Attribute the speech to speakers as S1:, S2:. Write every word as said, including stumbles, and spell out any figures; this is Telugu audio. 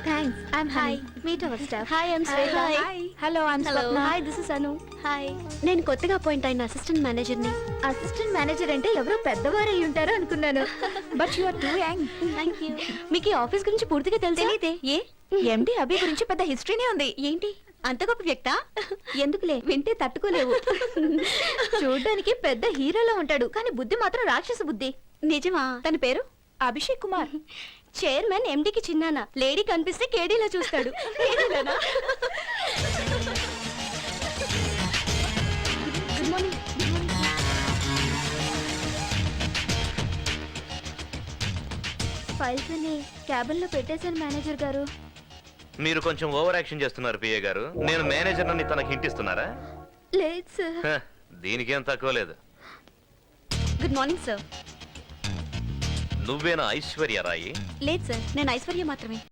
S1: Thanks. I'm hi. Meet our staff.
S2: Hi I'm Shweta.
S1: Hi. Hello I'm
S2: hello
S1: Swapna.
S2: Hi this is Anu. Hi.
S1: నేను కొత్తగా అపాయింట్ అయిన అసిస్టెంట్ మేనేజర్ ని. అసిస్టెంట్ మేనేజర్ అంటే ఎవరో పెద్దవారు అయి ఉంటారు అనుకున్నాను. But you are too young.
S2: Thank you.
S1: మీకు ఈ ఆఫీస్ గురించి పూర్తిగా తెలుసా?
S2: తెలీదే. ఏ
S1: ఎండి అభి గురించి పెద్ద హిస్టరీనే ఉంది.
S2: ఏంటి అంత గొప్ప వ్యక్తా?
S1: ఎందుకులే, వింటే తట్టుకోలేవు. చూడ్డానికి పెద్ద హీరోలో ఉంటాడు, కానీ బుద్ధి మాత్రం రాక్షస బుద్ధి.
S2: నిజమా?
S1: తన పేరు అభిషేక్ కుమార్.
S2: చైర్మన్ ఎండికి చిన్నానా, లేడీ కనిపిస్తే కేడీలా చూస్తాడు.
S1: కేడీలోనా?
S2: Good morning.
S1: ఫైల్స్ అన్ని క్యాబిన్ లో పెట్టేశాను మేనేజర్ గారు.
S3: మీరు కొంచెం ఓవర్ యాక్షన్ చేస్తున్నారు పిఏ గారు. నేను మేనేజర్ అని తనకి హింట్ ఇస్తున్నారా?
S1: లేదు సార్.
S3: హ, దీనికేం తక్కువ లేదు.
S2: Good morning sir.
S3: నువ్వేనా ఐశ్వర్య రాయి?
S2: లేదు సార్, నేను ఐశ్వర్య మాత్రమే.